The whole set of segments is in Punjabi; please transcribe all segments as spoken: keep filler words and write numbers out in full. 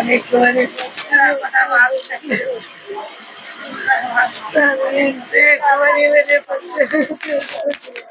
एक बार पता बात नहीं एक बार मेरे बच्चे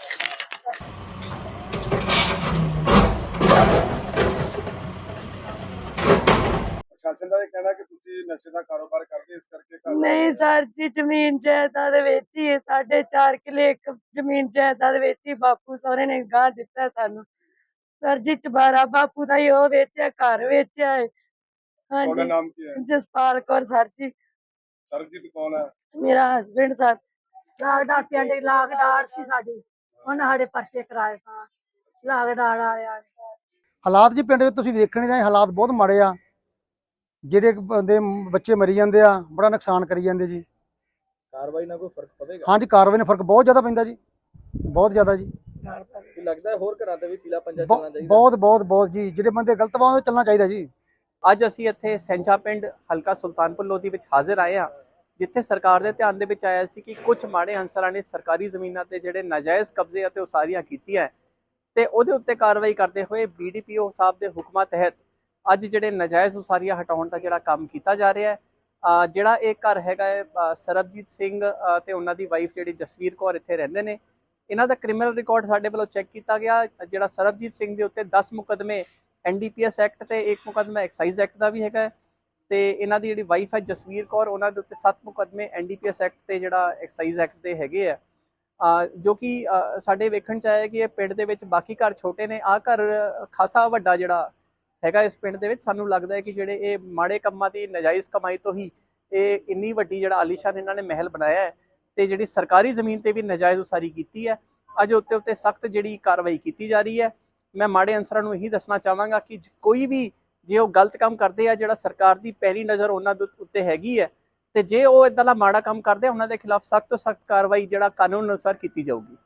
ਪ੍ਰਸ਼ਾਸਨ ਦਾ ਇਹ ਕਹਿਣਾ ਕਿ ਤੁਸੀਂ ਨਸ਼ੇ ਦਾ ਕਾਰੋਬਾਰ ਕਰਦੇ ਇਸ ਕਰਕੇ ਘਰ ਦਾ नहीं सर जी जमीन जायदाद वेची है साढ़े चार किले एक जमीन जायदाद वेची बापू सहुरे ने गाह दिता है सानू सर जी चबारा बापू का ही वो वेचा घर वेचा है हाँ ਤੁਹਾਡਾ जी ਨਾਮ ਕੀ ਹੈ? जसपाल कौर सर जी ਸਰਬਜੀਤ ਕੌਣ ਹੈ? मेरा हस्बैंड सर लाग डाकिया ने लागदार सी साडी उन्हें साडे पर्चे कराए सा लागदार आया ਹਾਲਾਤ ਜੀ ਪਿੰਡ ਵਿੱਚ ਤੁਸੀਂ ਵੇਖਣ ਦੇ ਹਾਲਾਤ ਬਹੁਤ ਮਾੜੇ ਆ। ਜਿਹੜੇ ਬੰਦੇ ਬੱਚੇ ਮਰੀ ਜਾਂਦੇ ਆ, ਬੜਾ ਨੁਕਸਾਨ ਕਰੀ ਜਾਂਦੇ ਜੀ। ਕਾਰਵਾਈ ਨਾਲ ਕੋਈ ਫਰਕ ਪਵੇਗਾ? ਹਾਂਜੀ, ਕਾਰਵਾਈ ਨਾਲ ਫਰਕ ਬਹੁਤ ਜ਼ਿਆਦਾ ਪੈਂਦਾ ਜੀ, ਬਹੁਤ ਜ਼ਿਆਦਾ ਜੀ। ਕੀ ਲੱਗਦਾ ਹੈ ਹੋਰ ਘਰਾਂ ਤੇ ਵੀ ਪੀਲਾ ਪੰਜਾ ਬਹੁ- ਚੱਲਣਾ ਚਾਹੀਦਾ? ਬਹੁਤ ਬਹੁਤ ਬਹੁਤ ਜੀ, ਜਿਹੜੇ ਬੰਦੇ ਗਲਤ ਵਾ ਉਹ ਚੱਲਣਾ ਚਾਹੀਦਾ ਜੀ। ਅੱਜ ਅਸੀਂ ਇੱਥੇ ਸੈਂਚਾ ਪਿੰਡ ਹਲਕਾ ਸੁਲਤਾਨਪੁਰ ਲੋਧੀ ਵਿੱਚ ਹਾਜ਼ਰ ਆਏ ਹਾਂ, ਜਿੱਥੇ ਸਰਕਾਰ ਦੇ ਧਿਆਨ ਦੇ ਵਿੱਚ ਆਇਆ ਸੀ ਕਿ ਕੁਝ ਮਾੜੇ ਅਨਸਰਾਂ ਨੇ ਸਰਕਾਰੀ ਜ਼ਮੀਨਾਂ ਤੇ ਜਿਹੜੇ ਨਾਜਾਇਜ਼ ਕਬਜ਼ੇ ਅਤੇ ਉਸਾਰੀਆਂ ਕੀਤੀਆਂ ਤੇ ਉਹਦੇ ਉੱਤੇ ਕਾਰਵਾਈ ਕਰਦੇ ਹੋਏ ਬੀਡੀਪੀਓ ਸਾਹਿਬ ਦੇ ਹੁਕਮਾਂ ਤਹਿਤ ਅੱਜ ਜਿਹੜੇ ਨਾਜਾਇਜ਼ ਉਸਾਰੀਆਂ ਹਟਾਉਣ ਦਾ ਜਿਹੜਾ ਕੰਮ ਕੀਤਾ ਜਾ ਰਿਹਾ ਹੈ। ਜਿਹੜਾ ਇਹ ਘਰ ਹੈਗਾ ਹੈ ਸਰਬਜੀਤ ਸਿੰਘ ਤੇ ਉਹਨਾਂ ਦੀ ਵਾਈਫ ਜਿਹੜੀ ਜਸਵੀਰ ਕੌਰ ਇੱਥੇ ਰਹਿੰਦੇ ਨੇ, ਇਹਨਾਂ ਦਾ ਕ੍ਰਿਮੀਨਲ ਰਿਕਾਰਡ ਸਾਡੇ ਵੱਲੋਂ ਚੈੱਕ ਕੀਤਾ ਗਿਆ। ਜਿਹੜਾ ਸਰਬਜੀਤ ਸਿੰਘ ਦੇ ਉੱਤੇ ਦਸ ਮੁਕੱਦਮੇ N D P S act ਤੇ ਇੱਕ ਮੁਕੱਦਮਾ ਐਕਸਾਈਜ਼ ਐਕਟ ਦਾ ਵੀ ਹੈਗਾ ਤੇ ਇਹਨਾਂ ਦੀ ਜਿਹੜੀ ਵਾਈਫ ਹੈ ਜਸਵੀਰ ਕੌਰ, ਉਹਨਾਂ ਦੇ ਉੱਤੇ ਸੱਤ ਮੁਕੱਦਮੇ N D P S act ਤੇ ਜਿਹੜਾ ਐਕਸਾਈਜ਼ ਐਕਟ ਦੇ ਹੈਗੇ ਆ, ਜੋ ਕਿ ਸਾਡੇ ਵੇਖਣ ਚ ਆਇਆ ਕਿ ਇਹ ਪਿੰਡ ਦੇ ਵਿੱਚ ਬਾਕੀ ਘਰ ਛੋਟੇ ਨੇ, ਆਹ ਘਰ ਖਾਸਾ ਵੱਡਾ ਜਿਹੜਾ ਹੈਗਾ ਇਸ ਪਿੰਡ ਦੇ ਵਿੱਚ। ਸਾਨੂੰ ਲੱਗਦਾ ਹੈ ਕਿ ਜਿਹੜੇ ਇਹ ਮਾੜੇ ਕੰਮਾਂ ਦੀ ਨਜਾਇਜ਼ ਕਮਾਈ ਤੋਂ ਹੀ ਇਹ ਇੰਨੀ ਵੱਡੀ ਜਿਹੜਾ ਆਲੀਸ਼ਾਨ ਇਹਨਾਂ ਨੇ ਮਹਿਲ ਬਣਾਇਆ ਹੈ ਤੇ ਜਿਹੜੀ ਸਰਕਾਰੀ ਜ਼ਮੀਨ ਤੇ ਵੀ ਨਜਾਇਜ਼ ਉਸਾਰੀ ਕੀਤੀ ਹੈ। ਅੱਜ ਉੱਤੇ ਉੱਤੇ ਸਖਤ ਜਿਹੜੀ ਕਾਰਵਾਈ ਕੀਤੀ ਜਾ ਰਹੀ ਹੈ। ਮੈਂ ਮਾੜੇ ਅਨਸਰਾਂ ਨੂੰ ਇਹੀ ਦੱਸਣਾ ਚਾਹਾਂਗਾ ਕਿ ਕੋਈ ਵੀ ਜੇ ਉਹ ਗਲਤ ਕੰਮ ਕਰਦੇ ਆ, ਜਿਹੜਾ ਸਰਕਾਰ ਦੀ ਪੈਰੀ ਨਜ਼ਰ ਉਹਨਾਂ ਦੇ ਉੱਤੇ ਹੈਗੀ ਹੈ, ਤੇ ਜੇ ਉਹ ਇਦਾਂ ਦਾ ਮਾੜਾ ਕੰਮ ਕਰਦੇ ਆ ਉਹਨਾਂ ਦੇ ਖਿਲਾਫ ਸਖਤ ਤੋਂ ਸਖਤ ਕਾਰਵਾਈ ਜਿਹੜਾ ਕਾਨੂੰਨ ਅਨੁਸਾਰ ਕੀਤੀ ਜਾਊਗੀ।